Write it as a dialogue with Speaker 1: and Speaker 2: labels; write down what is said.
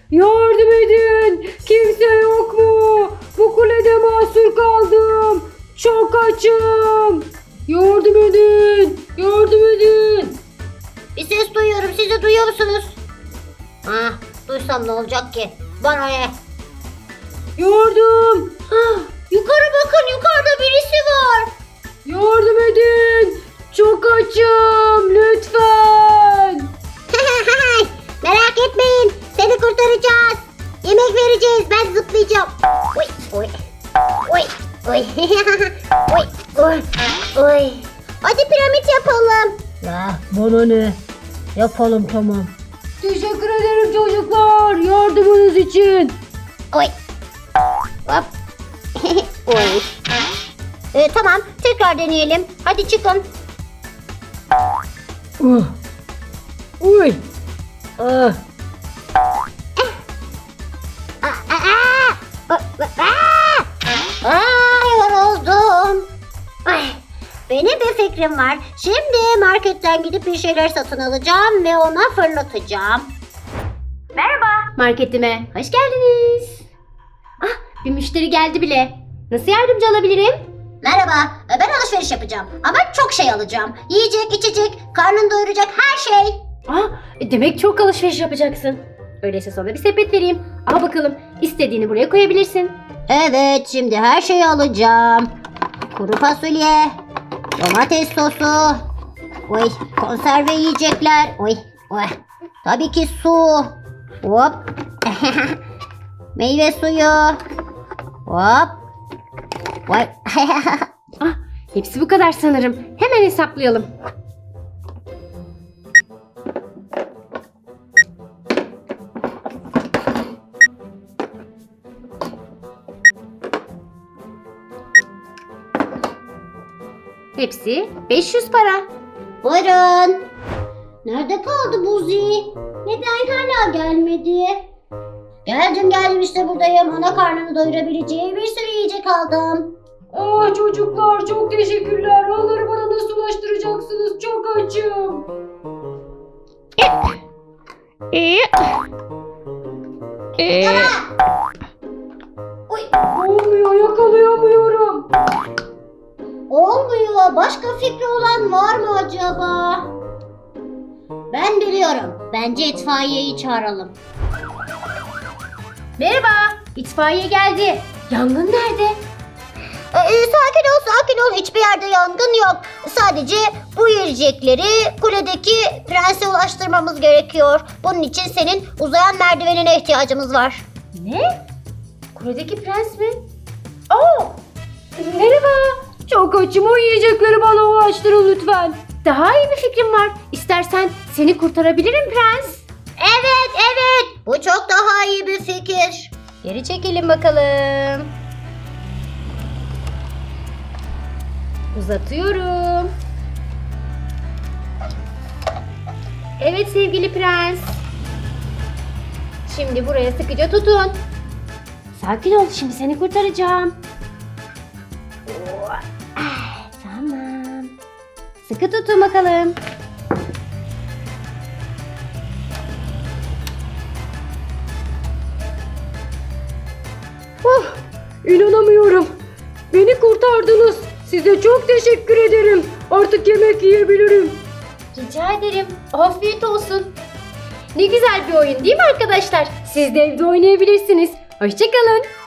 Speaker 1: Yardım edin. Kimse yok mu? Bu kulede mahsur kaldım. Çok açım. Yardım edin. Yardım edin.
Speaker 2: Bir ses duyuyorum. Siz de duyuyor musunuz? Ah, duysam ne olacak ki? Bana ne?
Speaker 1: Yardım.
Speaker 2: Yukarı bakın, yukarıda birisi var.
Speaker 1: Yardım edin. Çok açım. Lütfen.
Speaker 2: Merak etmeyin, seni kurtaracağız. Yemek vereceğiz, ben zıplayacağım. Oy, oy, oy, oy, oy, oy, oy. Hadi piramit yapalım.
Speaker 1: Ya bana ne? Yapalım tamam. Teşekkür ederim çocuklar. Yardımınız için.
Speaker 2: Oy. Hop. Oy. Tamam, tekrar deneyelim. Hadi çıkın.
Speaker 1: Uy. Ah.
Speaker 2: Yoruldum. Ay, benim bir fikrim var. Şimdi marketten gidip bir şeyler satın alacağım ve ona fırlatacağım.
Speaker 3: Merhaba marketime. Hoş geldiniz. Ah, bir müşteri geldi bile. Nasıl yardımcı olabilirim?
Speaker 2: Merhaba, ben alışveriş yapacağım ama çok şey alacağım. Yiyecek, içecek, karnını doyuracak her şey.
Speaker 3: Ah, demek çok alışveriş yapacaksın. Öyleyse sana bir sepet vereyim. Al bakalım. İstediğini buraya koyabilirsin.
Speaker 2: Evet, şimdi her şeyi alacağım. Kuru fasulye, domates sosu, oy, konserve yiyecekler, oy, oy. Tabii ki su, hop, meyve suyu, hop, oy.
Speaker 3: Ah, hepsi bu kadar sanırım. Hemen hesaplayalım. Hepsi 500 para.
Speaker 2: Buyurun. Nerede kaldı Buzi? Neden hala gelmedi? Geldim işte buradayım. Ona karnını doyurabileceği bir sürü yiyecek aldım.
Speaker 1: Ah çocuklar çok teşekkürler. Onları bana nasıl ulaştıracaksınız? Çok açım.
Speaker 2: Oy,
Speaker 1: Olmuyor, yakalayamıyorum.
Speaker 2: olmuyor. Başka fikri olan var mı acaba? Ben biliyorum. Bence itfaiyeyi çağıralım.
Speaker 3: Merhaba, itfaiye geldi. Yangın nerede?
Speaker 2: Sakin ol. Hiçbir yerde yangın yok. Sadece bu yiyecekleri kuledeki prense ulaştırmamız gerekiyor. Bunun için senin uzayan merdivenine ihtiyacımız var.
Speaker 3: Ne? Kuledeki prens mi? Oo! Merhaba.
Speaker 1: Çok açım, o yiyecekleri bana ulaştırın lütfen.
Speaker 3: Daha iyi bir fikrim var. İstersen seni kurtarabilirim prens.
Speaker 2: Evet. Bu çok daha iyi bir fikir.
Speaker 3: Geri çekelim bakalım. Uzatıyorum. Evet sevgili prens. Şimdi buraya sıkıca tutun. Sakin ol, şimdi seni kurtaracağım. Tamam. Sıkı tutun bakalım.
Speaker 1: İnanamıyorum. Beni kurtardınız. Size çok teşekkür ederim. Artık yemek yiyebilirim.
Speaker 3: Rica ederim. Afiyet olsun. Ne güzel bir oyun değil mi arkadaşlar? Siz de evde oynayabilirsiniz. Hoşça kalın.